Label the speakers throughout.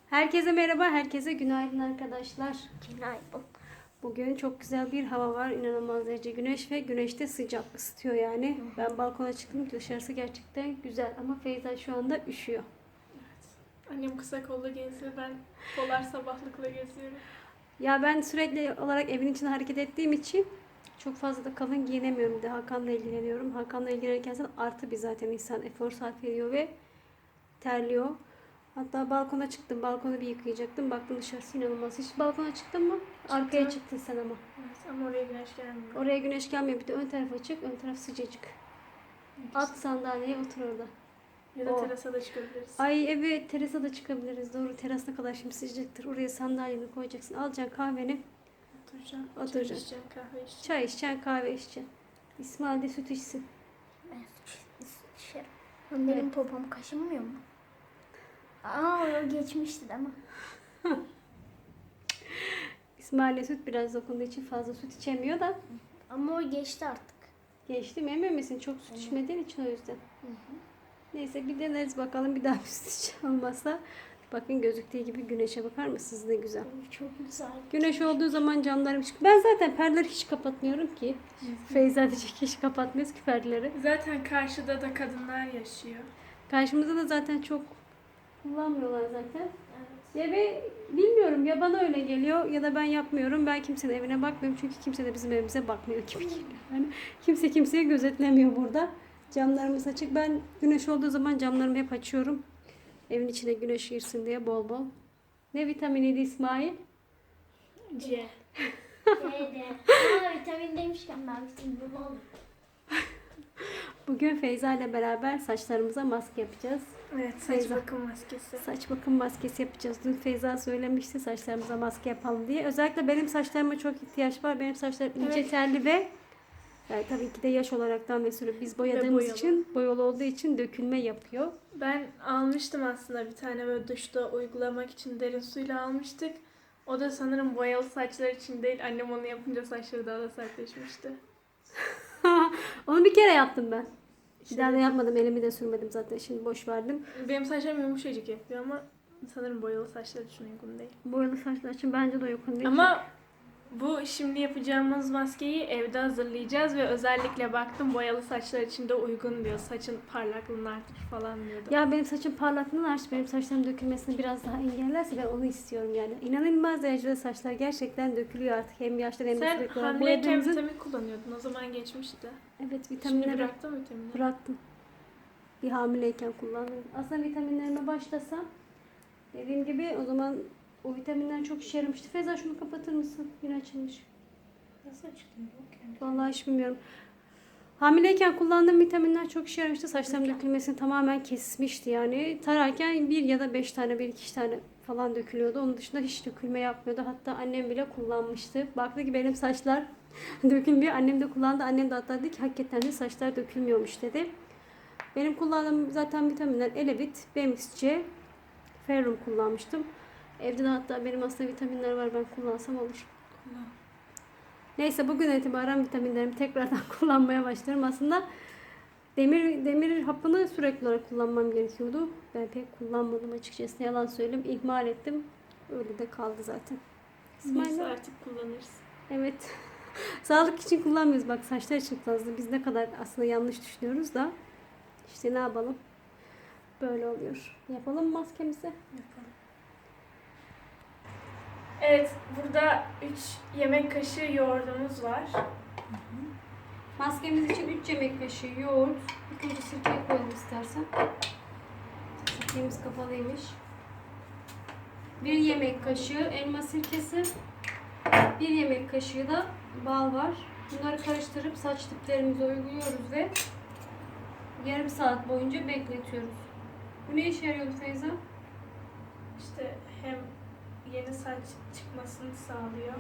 Speaker 1: Herkese merhaba, herkese günaydın arkadaşlar.
Speaker 2: Günaydın.
Speaker 1: Bugün çok güzel bir hava var. İnanılmaz derece güneş ve güneşte sıcak ısıtıyor yani. Ben balkona çıktım. Dışarısı gerçekten güzel ama Feyza şu anda üşüyor.
Speaker 3: Annem kısa kollu geziyor, ben polar sabahlıkla geziyorum.
Speaker 1: Ya ben sürekli olarak evin içinde hareket ettiğim için çok fazla da kalın giyinemiyorum. Bir de Hakan'la ilgileniyorum. Hakan'la ilgilenirken artı bir zaten insan efor sarf ediyor ve terliyor. Hatta balkona çıktım. Balkonu bir yıkayacaktım. Baktım dışarısı inanılmaz. Hiç balkona çıktın mı? Arkaya çıktın sen ama.
Speaker 3: Evet, ama oraya güneş gelmiyor.
Speaker 1: Oraya güneş gelmiyor. Bir de ön taraf açık. Ön taraf sıcacık. At sandalyeye otur orada.
Speaker 3: Ya da
Speaker 1: O.
Speaker 3: terasa da çıkabiliriz.
Speaker 1: Ay evet, terasa da çıkabiliriz. Doğru, teras ne kadar şimdi sıcaktır. Oraya sandalyeni koyacaksın. Alacaksın kahveni.
Speaker 3: Oturacağım.
Speaker 1: Oturacaksın.
Speaker 3: Çay içeceğim, kahve içeceğim.
Speaker 1: Çay içeceksin, kahve içeceksin. İsmail de süt içsin.
Speaker 2: Ben dışarı. Benim popom kaşınmıyor mu? Aa, o geçmişti değil mi?
Speaker 1: İsmail'le süt biraz dokunduğu için fazla süt içemiyor da.
Speaker 2: Ama o geçti artık.
Speaker 1: Geçti mi emin misin? Çok süt içmediğin için o yüzden. Neyse bir deneriz bakalım, bir daha bir süt içen olmazsa. Bakın gözüktüğü gibi güneşe bakar mısınız, ne güzel.
Speaker 2: Çok güzel.
Speaker 1: Güneş olduğu zaman camlarım çıkıyor. Ben zaten perdeleri hiç kapatmıyorum ki. Feyza diyecek hiç kapatmıyoruz ki perdeleri.
Speaker 3: Zaten karşıda da kadınlar yaşıyor.
Speaker 1: Karşımızda da zaten çok kullanmıyorlar zaten.
Speaker 3: Evet.
Speaker 1: Ya ve bilmiyorum, ya bana öyle geliyor ya da ben yapmıyorum. Ben kimsenin evine bakmıyorum çünkü kimse de bizim evimize bakmıyor gibi geliyor. Yani kimse kimseyi gözetlemiyor burada. Camlarımız açık. Ben güneş olduğu zaman camlarımı hep açıyorum. Evin içine güneş girsin diye bol bol. Ne vitaminiydi İsmail?
Speaker 3: C.
Speaker 2: C'de. Aa, vitamin demişken ben vitamin aldım.
Speaker 1: Bugün Feyza ile beraber saçlarımıza maske yapacağız.
Speaker 3: Evet, saç
Speaker 1: Feyza.
Speaker 3: bakım maskesi.
Speaker 1: Saç bakım maskesi yapacağız. Dün Feyza söylemişti saçlarımıza maske yapalım diye. Özellikle benim saçlarıma çok ihtiyaç var. Benim saçlarım ince
Speaker 3: Evet.
Speaker 1: telli ve tabii ki de yaş olaraktan ve sonra biz boyadığımız
Speaker 3: boyalı.
Speaker 1: için, boyalı olduğu için dökülme yapıyor.
Speaker 3: Ben almıştım aslında bir tane böyle duşta uygulamak için derin suyla almıştık. O da sanırım boyalı saçlar için değil. Annem onu yapınca saçları daha da sertleşmişti.
Speaker 1: Onu bir kere yaptım ben. Bir
Speaker 3: İşte
Speaker 1: daha da yapmadım. Elimi de sürmedim zaten. Şimdi boş verdim.
Speaker 3: benim saçlarım yumuşacık yapıyor ama sanırım boyalı saçlar için uygun değil.
Speaker 1: Boyalı saçlar için bence de uygun değil.
Speaker 3: Ama bu şimdi yapacağımız maskeyi evde hazırlayacağız ve özellikle baktım boyalı saçlar için de uygun diyor. Saçın parlaklığını artırır falan diyordu.
Speaker 1: Ya benim saçım parlaklığını artır, benim saçlarım dökülmesini biraz daha engellerse ben onu istiyorum yani. İnanılmaz derecede saçlar gerçekten dökülüyor artık. Hem yaşlı hem de
Speaker 3: Sen
Speaker 1: sürekli olarak
Speaker 3: hamileyken
Speaker 1: boyadığımızın.
Speaker 3: vitamin kullanıyordun. O zaman geçmişti.
Speaker 1: Evet,
Speaker 3: Şimdi
Speaker 1: vitaminleri
Speaker 3: bıraktın mı vitamini?
Speaker 1: bıraktım. Bir hamileyken kullandım. Aslında vitaminlerime başlasam dediğim gibi o zaman o vitaminler çok işe yaramıştı. Feyza şunu kapatır mısın? Yine açılmış.
Speaker 2: Nasıl açıklıyor?
Speaker 1: Vallahi hiç bilmiyorum. Hamileyken kullandığım vitaminler çok işe yaramıştı. Saçlarım dökülmesini tamamen kesmişti yani. Tararken bir ya da 5 tane, bir iki tane falan dökülüyordu. Onun dışında hiç dökülme yapmıyordu. Hatta annem bile kullanmıştı. Baktı ki benim saçlar dökülmüyor. Annem de kullandı. Annem de hatta dedi ki hakikaten de saçlar dökülmüyormuş dedi. Benim kullandığım zaten vitaminler Elevit, BMXC, Ferrum kullanmıştım. Evde de hatta benim aslında vitaminler var, ben kullansam olur. Neyse bugün itibaren vitaminlerimi tekrardan kullanmaya başlarım. Aslında demir hapını sürekli olarak kullanmam gerekiyordu. Ben pek kullanmadım açıkçası. Yalan söyleyeyim. İhmal ettim. Öyle de kaldı zaten.
Speaker 3: Neyse
Speaker 1: İsmail.
Speaker 3: artık kullanırız.
Speaker 1: Evet. Sağlık için kullanmıyoruz. Bak saçlar için fazla. Biz ne kadar aslında yanlış düşünüyoruz da. İşte ne yapalım? Böyle oluyor. Yapalım mı maskemizi?
Speaker 3: Yapalım. Evet, burada 3 yemek kaşığı yoğurdumuz var.
Speaker 1: Maskemiz için 3 yemek kaşığı yoğurt. İlk önce sirkeyi koyalım istersen. Sirkemiz kapalıymış. 1 yemek kaşığı elma sirkesi. 1 yemek kaşığı da bal var. Bunları karıştırıp saç diplerimize uyguluyoruz ve yarım saat boyunca bekletiyoruz. Bu ne işe yarıyordu Feyza?
Speaker 3: İşte hem yeni saç çıkmasını sağlıyor.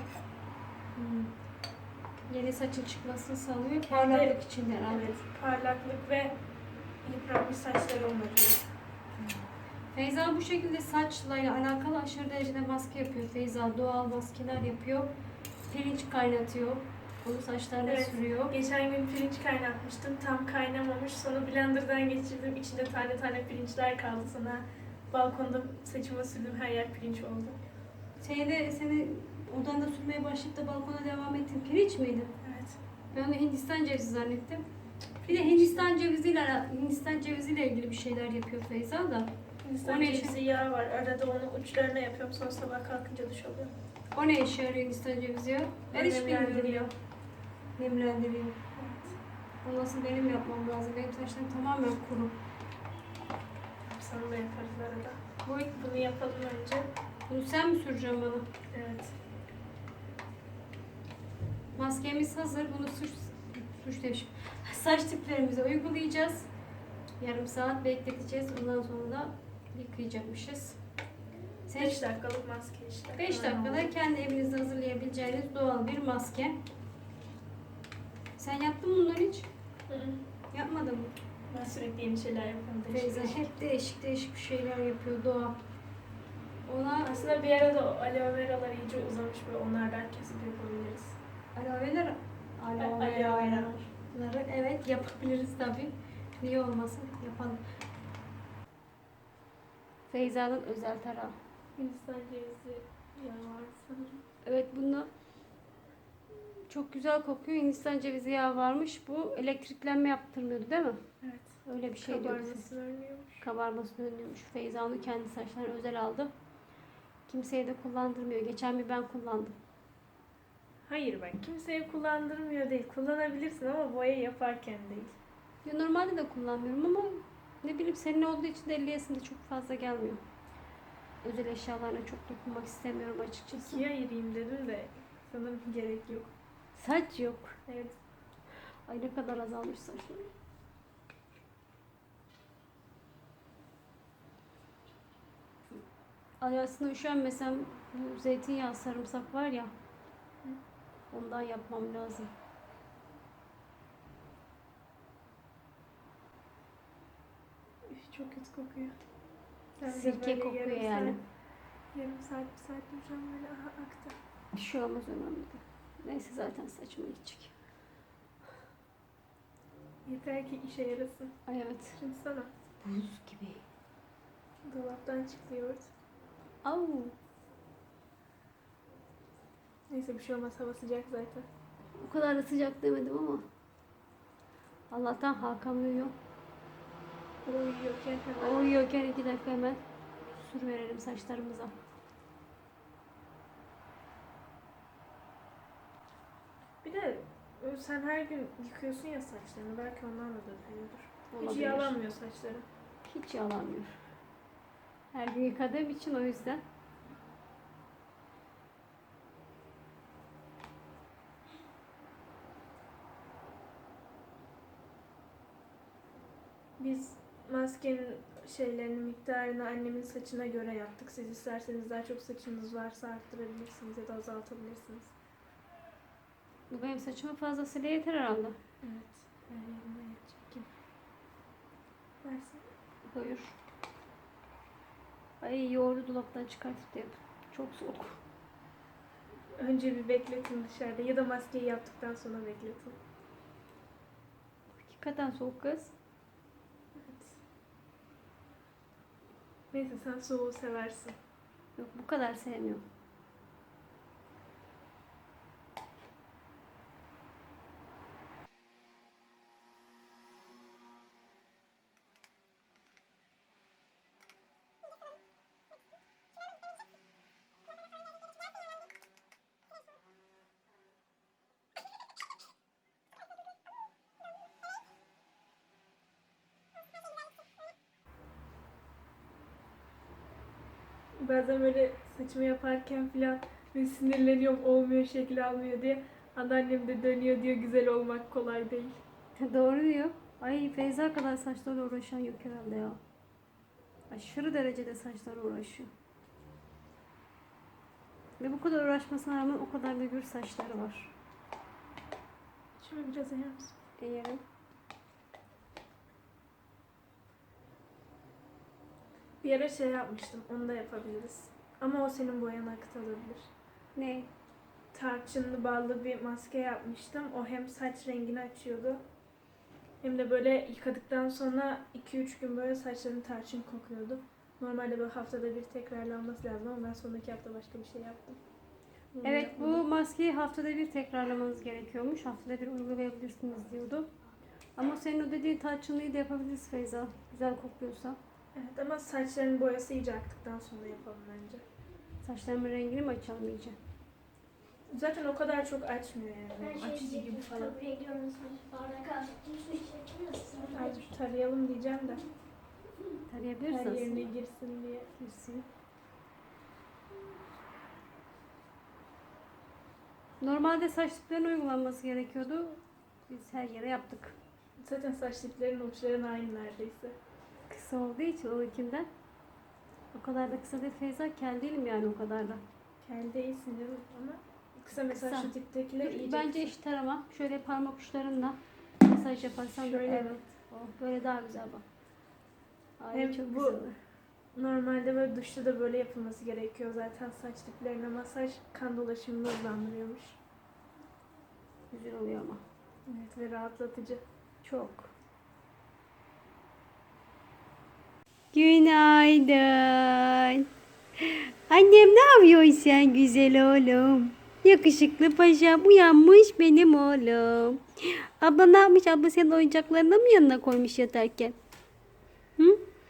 Speaker 1: Yeni saçın çıkmasını sağlıyor.
Speaker 3: Kendi-
Speaker 1: Parlaklık için herhalde.
Speaker 3: Evet, parlaklık ve yıpranmış saçları onarıyor.
Speaker 1: Feyza bu şekilde saçla alakalı aşırı derecede maske yapıyor. Feyza doğal maskeler yapıyor. Pirinç kaynatıyor. Onu saçlarına
Speaker 3: Evet.
Speaker 1: sürüyor.
Speaker 3: Geçen gün pirinç kaynatmıştım. Tam kaynamamış. Sonra blenderdan geçirdim. İçinde tane tane pirinçler kaldı. Sonra balkonda saçıma sürdüm, her yer pirinç oldu.
Speaker 1: Seni odanda sürmeye başlayıp da balkona devam ettin. Pirinç miydi?
Speaker 3: Evet.
Speaker 1: Ben onu Hindistan cevizi zannettim. Bir de Hindistan ceviziyle ilgili bir şeyler yapıyor Feyza da.
Speaker 3: Hindistan
Speaker 1: O ne
Speaker 3: cevizi yağı var. Arada onu uçlarına yapıyorum. Sonra sabah kalkınca duş alıyorum.
Speaker 1: O ne işe yarıyor Hindistan cevizi ya? Ben hiç bilmiyorum ya.
Speaker 3: Nemlendiriyor.
Speaker 1: Nemlendiriyor.
Speaker 3: Evet.
Speaker 1: O nasıl benim yapmam lazım? Benim saçlarım tamamen kuru.
Speaker 3: Sana da yaparız arada.
Speaker 1: Bu,
Speaker 3: Bunu yapalım önce.
Speaker 1: bunu sen mi süreceksin bana?
Speaker 3: Evet.
Speaker 1: Maskemiz hazır. Bunu suç demişim. Saç tiplerimize uygulayacağız. Yarım saat bekleteceğiz. Ondan sonra da yıkayacakmışız.
Speaker 3: 5 dakikalık maske işte.
Speaker 1: 5 dakikada kendi evinizde hazırlayabileceğiniz doğal bir maske. Sen yaptın mı bunları hiç?
Speaker 3: Hı hı.
Speaker 1: Yapmadın mı?
Speaker 3: Ben sürekli yeni şeyler yapıyorum.
Speaker 1: Feyza hep değişik değişik bir şeyler yapıyor doğa. Ona
Speaker 3: Aslında bir ara da o aloe veralar iyice uzamış ve onlardan kesip yapabiliriz.
Speaker 1: aloe vera
Speaker 3: Aloe vera.
Speaker 1: evet yapabiliriz tabii. Niye olmasın? Yapalım. Feyza'nın özel tarağı.
Speaker 3: Hindistan cevizi yağı var sanırım.
Speaker 1: Evet bunu çok güzel kokuyor. Hindistan cevizi yağı varmış. Bu elektriklenme yaptırmıyordu değil mi?
Speaker 3: Evet.
Speaker 1: Öyle bir şey diyordu.
Speaker 3: Kabarmasını önlüyormuş.
Speaker 1: Kabarmasını önlüyormuş. Feyza onu kendi saçlarına özel aldı. Kimseye de kullandırmıyor. Geçen bir ben kullandım.
Speaker 3: Hayır bak, kimseye kullandırmıyor değil. Kullanabilirsin ama boya yaparken değil.
Speaker 1: Ya normalde de kullanmıyorum ama ne bileyim senin olduğu için de elliyesinde çok fazla gelmiyor. Özel eşyalarına çok dokunmak istemiyorum açıkçası.
Speaker 3: İkiye ayırayım dedim de sanırım gerek yok.
Speaker 1: Saç yok.
Speaker 3: Evet.
Speaker 1: Ay ne kadar azalmış saçlarım. Ay aslında üşenmesem bu zeytinyağı sarımsak var ya ondan yapmam lazım.
Speaker 3: Üf, çok kötü kokuyor. Sen de
Speaker 1: Sirke
Speaker 3: böyle
Speaker 1: kokuyor
Speaker 3: yarım
Speaker 1: yani.
Speaker 3: Yarım saat, bir saat duracağım böyle, aha aktı.
Speaker 1: Bir şey olmaz önemli değil. Neyse zaten saçıma gidecek.
Speaker 3: Yeter ki işe yarasın.
Speaker 1: Ay evet.
Speaker 3: Şimdi sana
Speaker 1: Buz gibi.
Speaker 3: dolaptan çıktı yoğurt.
Speaker 1: Au.
Speaker 3: Neyse bir şey olmaz, hava sıcak zaten.
Speaker 1: O kadar da sıcak demedim ama. Allah'tan Hakan uyuyor.
Speaker 3: O uyuyorken
Speaker 1: O
Speaker 3: hemen
Speaker 1: uyuyorken 2 dakika hemen sür verelim saçlarımıza.
Speaker 3: bir de sen her gün yıkıyorsun ya saçlarını, belki ondan da dökülüyordur. Hiç
Speaker 1: Olabilir.
Speaker 3: yağlanmıyor saçların.
Speaker 1: Hiç yalanmıyor. Her gün yıkadığım için o yüzden.
Speaker 3: Biz maskenin şeylerini, miktarını annemin saçına göre yaptık. Siz isterseniz daha çok saçınız varsa arttırabilirsiniz ya da azaltabilirsiniz.
Speaker 1: Bu benim saçıma fazlasıyla yeter herhalde.
Speaker 3: Evet. Her yerine yetecek gibi. Versin.
Speaker 1: Buyur. Ay yoğurdu dolaptan çıkartıp da yap. Çok soğuk.
Speaker 3: Önce bir bekletin dışarıda ya da maskeyi yaptıktan sonra bekletin.
Speaker 1: Hakikaten soğuk kız.
Speaker 3: Evet. Neyse sen soğuğu seversin.
Speaker 1: Yok bu kadar sevmiyorum.
Speaker 3: Bazen böyle saçımı yaparken filan böyle sinirleniyorum, olmuyor, şekil almıyor diye. Anneannem de dönüyor diyor, güzel olmak kolay değil.
Speaker 1: Doğru diyor. Ay Feyza kadar saçlarla uğraşan yok herhalde ya. Aşırı derecede saçlarla uğraşıyor. Ve bu kadar uğraşmasına rağmen o kadar da gür saçları var.
Speaker 3: Şöyle biraz eğer misin?
Speaker 1: Eğerim.
Speaker 3: Bir ara şey yapmıştım, onu da yapabiliriz. Ama o senin boyana akıtılabilir.
Speaker 1: Ne?
Speaker 3: Tarçınlı ballı bir maske yapmıştım. O hem saç rengini açıyordu. Hem de böyle yıkadıktan sonra 2-3 gün böyle saçların tarçın kokuyordu. Normalde böyle haftada bir tekrarlanması lazım ama ben sonraki hafta başka bir şey yaptım. Bunu
Speaker 1: Evet, bu
Speaker 3: yapmadım.
Speaker 1: maskeyi haftada bir tekrarlamanız gerekiyormuş. Haftada bir uygulayabilirsiniz diyordu. Ama senin o dediğin tarçınlıyı da yapabiliriz Feyza. Güzel kokuyorsa.
Speaker 3: Evet ama saçların boyası iyice aktıktan sonra yapalım bence.
Speaker 1: Saçlarımın rengini mi açalım iyice?
Speaker 3: Zaten o kadar çok açmıyor yani.
Speaker 2: Ben şey
Speaker 3: Açıcı gibi
Speaker 2: diyecektim.
Speaker 3: falan.
Speaker 2: Köprüye gidiyoruz. Bardak aldık. Su içecektim de sonra
Speaker 3: Azıcık tarayalım diyeceğim de. Her
Speaker 1: Tarayabilirsiniz.
Speaker 3: yerine girsin diye.
Speaker 1: Girsin. Normalde saç diplerine uygulanması gerekiyordu. Biz her yere yaptık.
Speaker 3: Zaten saç diplerin uçların aynı neredeyse.
Speaker 1: Kısa olduğu için onunkinden. O kadar da kısa değil Feyza. Kel değilim yani o kadar da.
Speaker 3: Kendi iyisin canım ama kısa mesela
Speaker 1: Kısa.
Speaker 3: şu diptekiler iyice
Speaker 1: Bence
Speaker 3: kısa.
Speaker 1: eşit tarama. Şöyle parmak uçlarınla masaj yaparsan da
Speaker 3: Şöyle
Speaker 1: evet.
Speaker 3: mi?
Speaker 1: Oh, böyle daha güzel bak. Ay
Speaker 3: Hem
Speaker 1: çok
Speaker 3: bu-
Speaker 1: güzel.
Speaker 3: Normalde böyle duşta da böyle yapılması gerekiyor zaten saç diplerine masaj kan dolaşımını hızlandırıyormuş.
Speaker 1: Güzel oluyor ama.
Speaker 3: Evet ve rahatlatıcı.
Speaker 1: Çok. Günaydın. Annem ne yapıyorsun sen güzel oğlum? Yakışıklı paşam uyanmış benim oğlum. Abla ne yapmış? Abla senin oyuncaklarını mı yanına koymuş yatarken? Hı?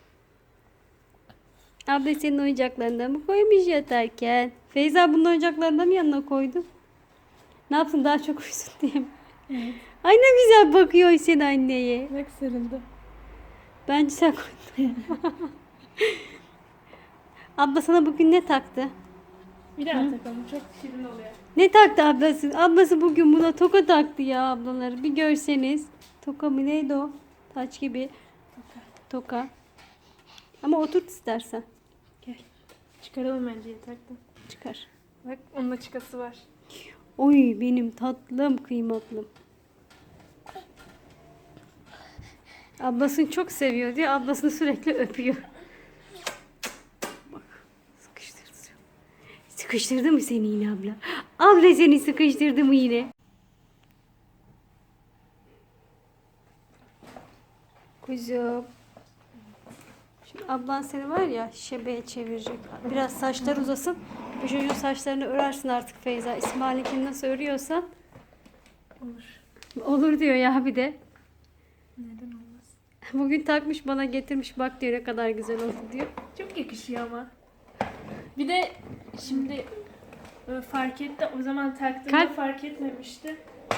Speaker 1: Abla senin oyuncaklarını mı koymuş yatarken? Feyza bunun oyuncaklarını mı yanına koydu? Ne yapsın daha çok uyusun diye mi?
Speaker 3: Evet.
Speaker 1: Ay ne güzel bakıyor sen anneye.
Speaker 3: Bak sarıldı.
Speaker 1: Bence sen koydun. Abla sana bugün ne taktı?
Speaker 3: Bir daha takalım çok şirin oluyor.
Speaker 1: Ne taktı ablası? Ablası bugün buna toka taktı ya ablaları. Bir görseniz. Toka mı neydi o? Taç gibi. Toka. Ama oturt istersen.
Speaker 3: Gel. Çıkaralım bence yataktan.
Speaker 1: Çıkar.
Speaker 3: Bak onun açıkası var.
Speaker 1: Oy benim tatlım kıymatlım. Ablasını çok seviyor diye ablasını sürekli öpüyor. Bak sıkıştırdı. Sıkıştırdı mı seni yine abla? Abla seni sıkıştırdı mı yine? Kuzum. Şimdi ablan seni var ya şebeye çevirecek. Biraz saçlar uzasın. Bu çocuğun saçlarını örersin artık Feyza. İsmail'inkini nasıl örüyorsan.
Speaker 3: Olur.
Speaker 1: Olur diyor ya bir de.
Speaker 3: Neden olmaz?
Speaker 1: Bugün takmış bana getirmiş bak diyor ne kadar güzel oldu diyor.
Speaker 3: Çok yakışıyor ama. Bir de şimdi fark etti. O zaman taktığımda
Speaker 1: Kalp-
Speaker 3: fark etmemişti.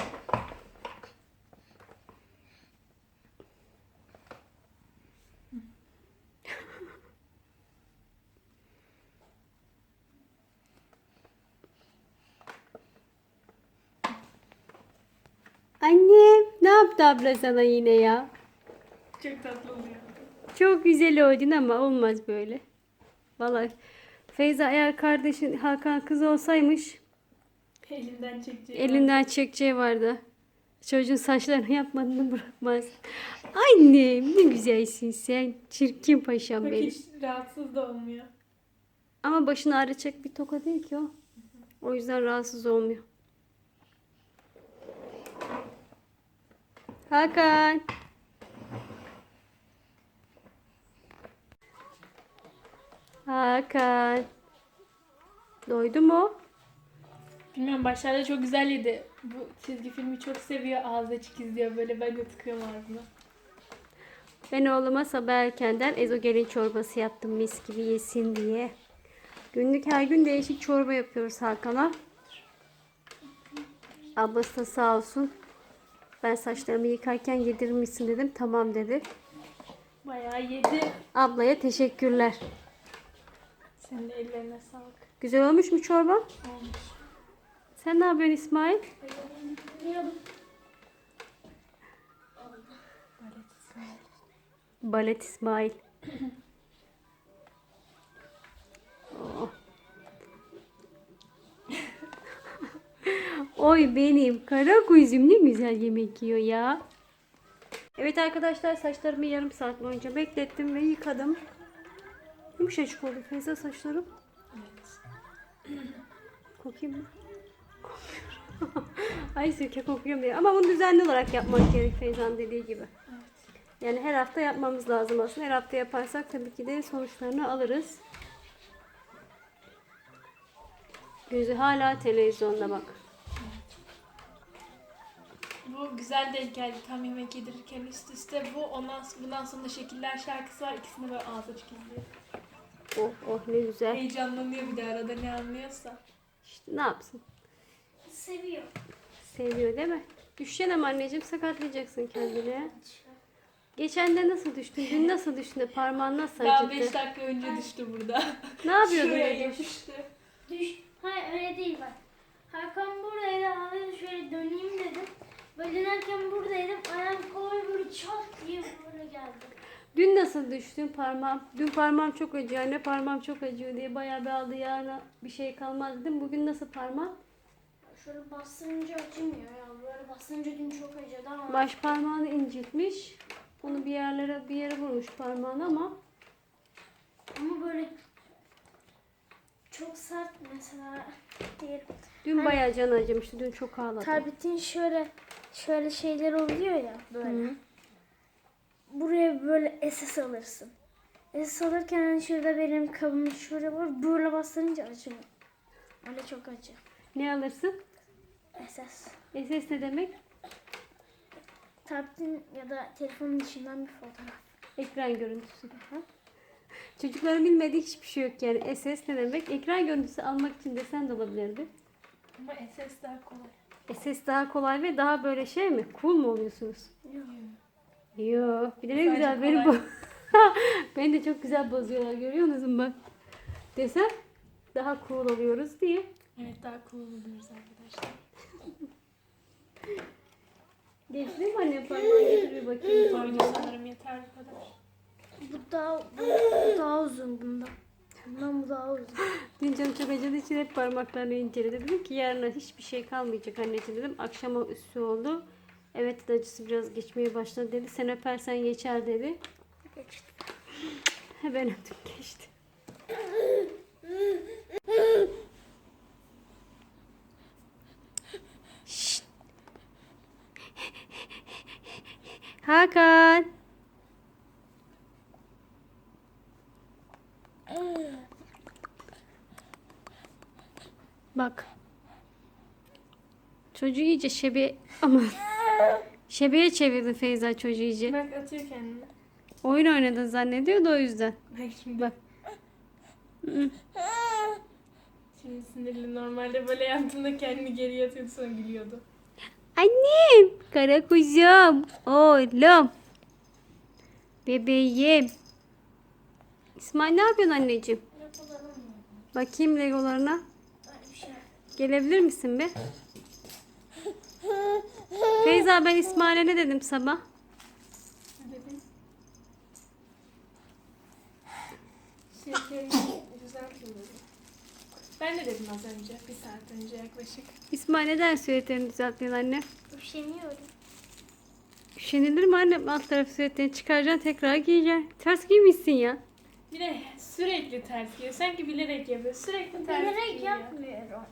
Speaker 1: Annem ne yaptı abla sana yine ya?
Speaker 3: Çok tatlı oluyor.
Speaker 1: Çok güzel oldun ama olmaz böyle. Vallahi Feyza eğer kardeşin Hakan kız olsaymış
Speaker 3: Elimden çekeceği.
Speaker 1: elinden çekeceği vardı. Çocuğun saçlarını yapmadığını bırakmaz. Annem ne güzelsin sen. Çirkin paşam
Speaker 3: Bak
Speaker 1: benim.
Speaker 3: hiç rahatsız da olmuyor.
Speaker 1: Ama başını ağrıtacak bir toka değil ki o. O yüzden rahatsız olmuyor. Hakan. Hakan. Doydu mu?
Speaker 3: Bilmiyorum başlarda çok güzel yedi. Bu çizgi filmi çok seviyor. Ağzı açık izliyor böyle ben de tıkıyorum ağzına.
Speaker 1: Ben oğluma sabah erkenden ezogelin çorbası yaptım mis gibi yesin diye. Günlük her gün değişik çorba yapıyoruz Hakan'a. Ablası da sağ olsun. Ben saçlarımı yıkarken yedirir misin dedim. Tamam dedi.
Speaker 3: Bayağı yedi.
Speaker 1: Ablaya teşekkürler.
Speaker 3: Senin de ellerine sağlık.
Speaker 1: Güzel olmuş mu çorba?
Speaker 3: Olmuş.
Speaker 1: Sen ne yapıyorsun İsmail? Balet İsmail. Oh. Oy benim kara kuzum ne güzel yemek yiyor ya. Evet arkadaşlar saçlarımı yarım saat boyunca beklettim ve yıkadım. Yumuşacık oldu Feyza saçlarım. Kokayım mı? Kokmuyor. Ay sirke kokuyor mu? Ama bunu düzenli olarak yapmak gerek Feyza'nın dediği gibi. Yani her hafta yapmamız lazım aslında. Her hafta yaparsak tabii ki de sonuçlarını alırız. Gözü hala televizyonda bak.
Speaker 3: Bu güzel denk geldi tam yemek yedirirken üst üste. Bundan sonra Şekiller şarkısı var. İkisini böyle ağzı açık izliyor.
Speaker 1: Oh oh ne güzel.
Speaker 3: Heyecanlanıyor bir de arada ne anlıyorsa.
Speaker 1: İşte ne yapsın?
Speaker 2: Seviyor.
Speaker 1: Seviyor değil mi? Düşeceksin ama anneciğim, sakatlayacaksın kendini. Geçen de nasıl düştün? Dün nasıl düştün de parmağın nasıl
Speaker 3: Daha
Speaker 1: acıttı?
Speaker 3: 5 dakika önce düştü burada.
Speaker 1: Ne yapıyordun?
Speaker 3: Şuraya
Speaker 1: öyle?
Speaker 3: yapıştı.
Speaker 2: Hayır öyle değil bak. Hakan buradaydı. Abi şöyle döneyim dedim. Böyle dönerken buradaydım. Ayağım kolay böyle çat diye böyle geldi.
Speaker 1: Dün nasıl düştün parmağım? Dün parmağım çok acıyor. Anne parmağım çok acıyor diye bayağı bir aldı, yarına bir şey kalmaz dedim. Bugün nasıl parmağın?
Speaker 2: Şöyle bastırınca acımıyor ya. Böyle bastırınca dün çok acıdı ama.
Speaker 1: Baş parmağını incitmiş. Onu bir yere vurmuş parmağını ama
Speaker 2: Ama böyle çok sert mesela diyelim.
Speaker 1: dün bayağı can acımıştı. Dün çok ağladı.
Speaker 2: Tabletin şöyle şeyler oluyor ya böyle.
Speaker 1: Hı.
Speaker 2: Buraya böyle SS alırsın. SS alırken hani şurada benim kabım şurada var. Böyle bastırınca acımıyor. Öyle çok acı.
Speaker 1: Ne alırsın?
Speaker 2: SS.
Speaker 1: SS ne demek?
Speaker 2: Tabletin ya da telefonun içinden bir fotoğraf.
Speaker 1: Ekran görüntüsü. Çocukların bilmediği hiçbir şey yok yani. SS ne demek? Ekran görüntüsü almak için desen de olabilirdi.
Speaker 3: Ama SS daha kolay.
Speaker 1: SS daha kolay ve daha böyle şey mi? Cool mu oluyorsunuz? Yo. Bir de ne
Speaker 3: Sadece
Speaker 1: güzel beni bu.
Speaker 3: kolay.
Speaker 1: Beni de çok güzel bozuyorlar, görüyor musun bak. Desem daha cool oluyoruz diye.
Speaker 3: Evet daha cool oluyoruz arkadaşlar.
Speaker 1: Geçti mi anne, parmağını getir bir bakayım.
Speaker 3: Oyunu sanırım yeter bu kadar.
Speaker 2: Bu daha uzun bundan. Bundan bu daha uzun.
Speaker 1: Dün canım çok acıdığı için hep parmaklarını inceledi. Dedim ki yarına hiçbir şey kalmayacak anneciğim dedim. Akşama üstü oldu. Evet dedi, acısı biraz geçmeye başladı dedi. Sen öpersen geçer dedi.
Speaker 2: Geçti.
Speaker 1: Ben öptüm, geçti. Şşt. Hakan. Bak. Çocuğu iyice ama şebeye çevirdi Feyza çocuğu iyice.
Speaker 3: Bak atıyor kendini.
Speaker 1: Oyun oynadın zannediyordu o yüzden.
Speaker 3: Bak şimdi.
Speaker 1: Bak.
Speaker 3: Şimdi sinirli, normalde böyle yaptığında kendini geriye atıyordu sonra gülüyordu.
Speaker 1: Annem, kara kuzum, oğlum, bebeğim. İsmail ne yapıyorsun anneciğim? Bakayım legolarına. Gelebilir misin be? Feyza, ben İsmail'e ne dedim sabah?
Speaker 3: Ne dedin? Şekerini düzeltin dedim. Ben de dedim az önce, bir saat önce yaklaşık.
Speaker 1: İsmail neden süveterini düzeltmiyorsun anne?
Speaker 2: Üşeniyorum.
Speaker 1: Üşenilir mi anne? Alt tarafı süveterini çıkaracaksın, tekrar giyeceksin. Ters giymişsin ya.
Speaker 3: Bir de sürekli ters giyiyor. Sanki bilerek yapıyor. Sürekli ters
Speaker 2: Bilerek
Speaker 3: giyiyor.
Speaker 2: yapmıyorum.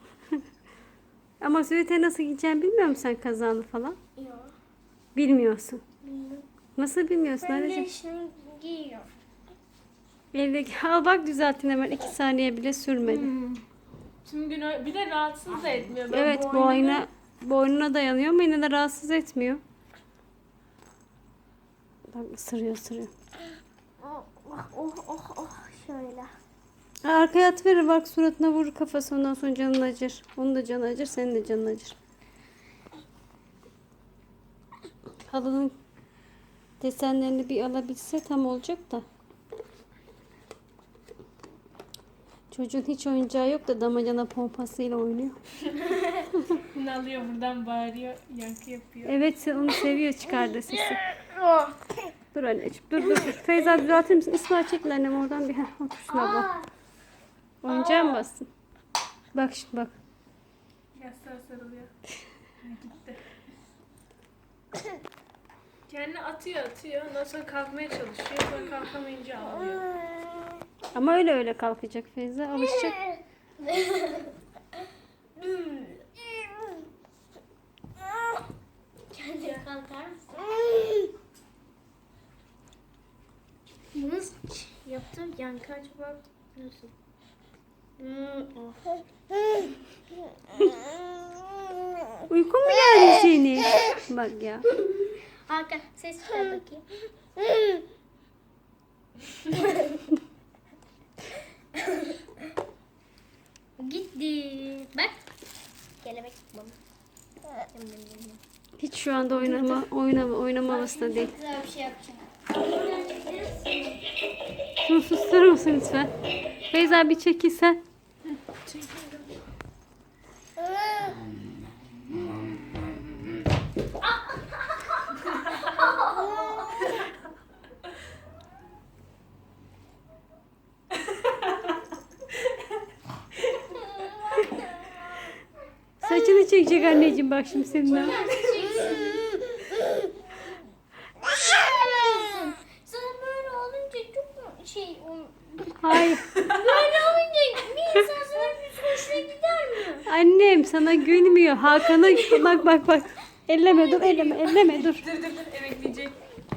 Speaker 1: Ama süveteri nasıl giyeceğini bilmiyor musun sen, kazağını falan?
Speaker 2: Yok.
Speaker 1: Bilmiyorsun.
Speaker 2: Bilmiyorum.
Speaker 1: Nasıl bilmiyorsun
Speaker 2: Ben de
Speaker 1: anneciğim?
Speaker 2: işini giyiyorum.
Speaker 1: Evdeki al bak, düzelttin hemen, 2 saniye bile sürmedi.
Speaker 3: Tüm gün bir de rahatsız da etmiyor. Ben
Speaker 1: Evet, boynuna dayanıyor ama yine de rahatsız etmiyor. Bak, ısırıyor.
Speaker 2: Oh şöyle.
Speaker 1: Arkaya atıverir, bak suratına vurur kafası, ondan sonra canın acır. Onun da canı acır, senin de canın acır. Halının desenlerini bir alabilse tam olacak da. Çocuğun hiç oyuncağı yok da damacana pompasıyla oynuyor.
Speaker 3: Bunu alıyor buradan bağırıyor, yankı yapıyor.
Speaker 1: Evet, onu seviyor, çıkardı sesi. Dur anneciğim, dur. Feyza, düzeltir misin? İsmail, çekil annem oradan bir. Otur şuna bak. Oyuncağa mı bastın? Bak şimdi bak.
Speaker 3: Yastığa sarılıyor. Gitti. Kendini atıyor. Ondan sonra kalkmaya çalışıyor. Sonra kalkamayınca ağlıyor.
Speaker 1: Ama öyle kalkacak Feyza. Alışacak.
Speaker 2: Kendine kalkar mısın? Nasıl yaptım? Yani kaç bak. Nasıl?
Speaker 1: Uykun mu geldi senin? Bak ya.
Speaker 2: Hakan ses çıkar bakayım. Gitti. Bak. Kelebek baba.
Speaker 1: Hiç şu anda oynama havasında değil.
Speaker 2: Güzel bir şey yapacağım.
Speaker 1: Şunu susturur musun lütfen? Feyza bir çekilsen. Saçını çekecek anneciğim bak şimdi senin.
Speaker 2: Sana böyle olunca çok
Speaker 1: Hayır.
Speaker 2: böyle olunca bir insan sana bir hoşuna gider mi?
Speaker 1: Annem sana gülmüyor. Hakan'a bak. Elleme dur elleme dur.
Speaker 3: Dur emekleyecek.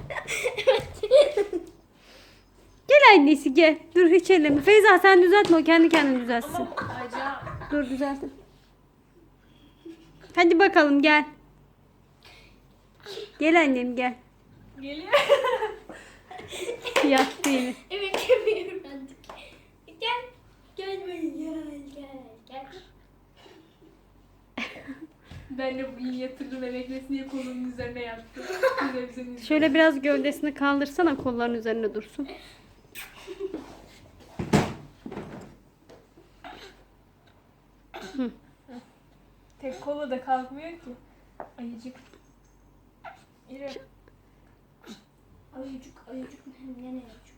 Speaker 1: Gel annesi gel. Dur hiç elleme. Feyza sen düzeltme o kendi kendine düzeltsin.
Speaker 3: Acayip.
Speaker 1: Dur düzeltin. Hadi bakalım gel. Gel annem gel.
Speaker 3: Geliyor.
Speaker 1: Yattı yine.
Speaker 2: Evet yapıyorum artık. Gel. Gel böyle gel.
Speaker 3: Ben de bugün yatırdım emeklesin diye kolunun üzerine yattım. Televizyon
Speaker 1: Şöyle biraz gövdesini kaldırsana kolların üzerine dursun.
Speaker 3: Tek kola da kalkmıyor ki. Ayıcık. Yürü.
Speaker 2: Ayıcık ne ayıcık?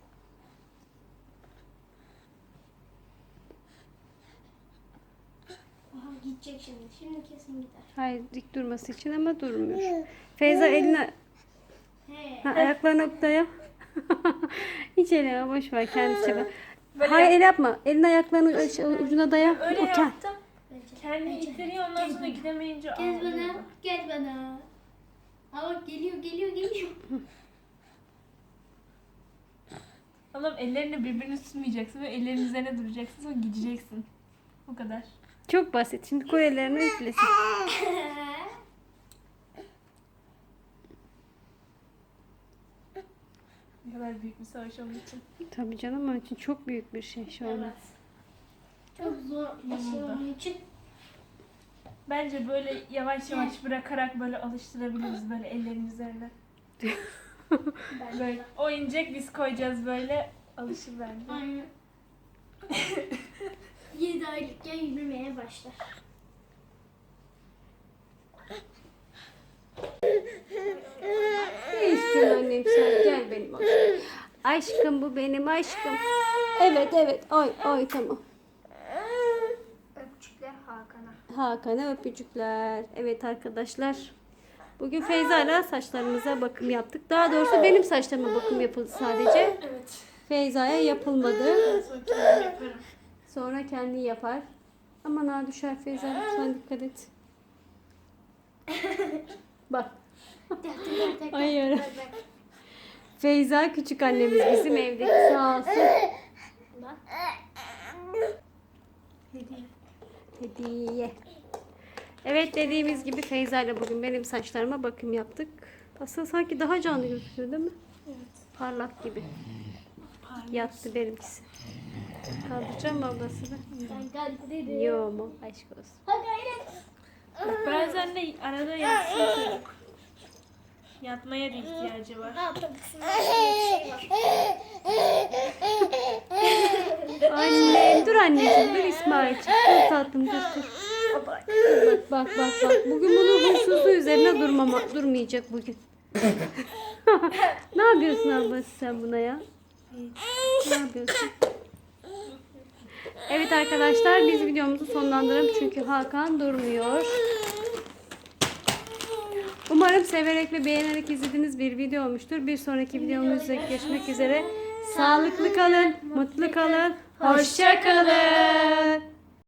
Speaker 2: Aha gidecek şimdi. Şimdi kesin gider.
Speaker 1: Hayır dik durması için ama durmuyor. Feyza eline
Speaker 2: He.
Speaker 1: ayaklarına daya. Hiç elleme boş ver kendisi yapar.
Speaker 3: Böyle
Speaker 1: Hayır el yapma. Elini ayaklarının ucuna daya.
Speaker 3: Öyle
Speaker 1: O kend-
Speaker 3: yaptım. Kendini ittiriyor ondan sonra gidemeyince
Speaker 2: Gel
Speaker 3: ağlıyor.
Speaker 2: bana. Gel bana. Ha bak geliyor.
Speaker 3: Oğlum ellerini birbirine tutmayacaksın ve ellerin üzerine duracaksın sonra gideceksin. Bu kadar.
Speaker 1: Çok basit. Şimdi koy ellerini üflesin.
Speaker 3: Ne kadar büyük bir savaş onun için.
Speaker 1: Tabii canım onun için çok büyük bir şey şu an.
Speaker 2: Evet. Çok zor bir şey onun için.
Speaker 3: Bence böyle yavaş yavaş bırakarak böyle alıştırabiliriz böyle ellerin üzerine. Böyle oyuncak biz koyacağız böyle alışır bence.
Speaker 2: Aynen. 7 aylıkken yürümeye başlar.
Speaker 1: Ne istiyorsun annem sen? Gel benim aşkım. Aşkım bu benim aşkım. Evet. Oy tamam.
Speaker 2: Öpücükler Hakan'a.
Speaker 1: Hakan'a öpücükler. Evet arkadaşlar. Bugün Feyza'yla saçlarımıza bakım yaptık. Daha doğrusu benim saçlarıma bakım yapıldı sadece.
Speaker 3: Evet.
Speaker 1: Feyza'ya yapılmadı.
Speaker 3: Sonra kendim yaparım.
Speaker 1: Sonra kendi yapar. Aman ha düşer Feyza lütfen dikkat et. Bak. Hayır. Feyza küçük annemiz bizim evdeki sağ olsun.
Speaker 2: Bak.
Speaker 1: Hediye. Evet dediğimiz gibi Feyza ile bugün benim saçlarıma bakım yaptık. Aslında sanki daha canlı gözüküyor değil mi?
Speaker 3: Evet.
Speaker 1: Parlak gibi.
Speaker 3: Parlıyor.
Speaker 1: Yattı benimkisi. Kaldıracağım mı ablasını?
Speaker 2: Sen kalktın.
Speaker 1: Yo mu? Aşk olsun.
Speaker 2: Hadi hayret.
Speaker 3: Bazen de arada yatsın çocuk. Yatmaya da ihtiyacı var.
Speaker 2: Aa tabii şunun bir şey var.
Speaker 1: Annem dur anneciğim dur İsmail'ciğim. Dur tatlım dur. Bak. Bugün bunun huysuzluğu üzerine durmayacak bugün. Ne yapıyorsun ablası sen buna ya? Ne yapıyorsun? Evet arkadaşlar biz videomuzu sonlandıralım çünkü Hakan durmuyor. Umarım severek ve beğenerek izlediğiniz bir video olmuştur. Bir sonraki videomuzda görüşmek üzere. Sağlıklı kalın, mutlu kalın, hoşça kalın.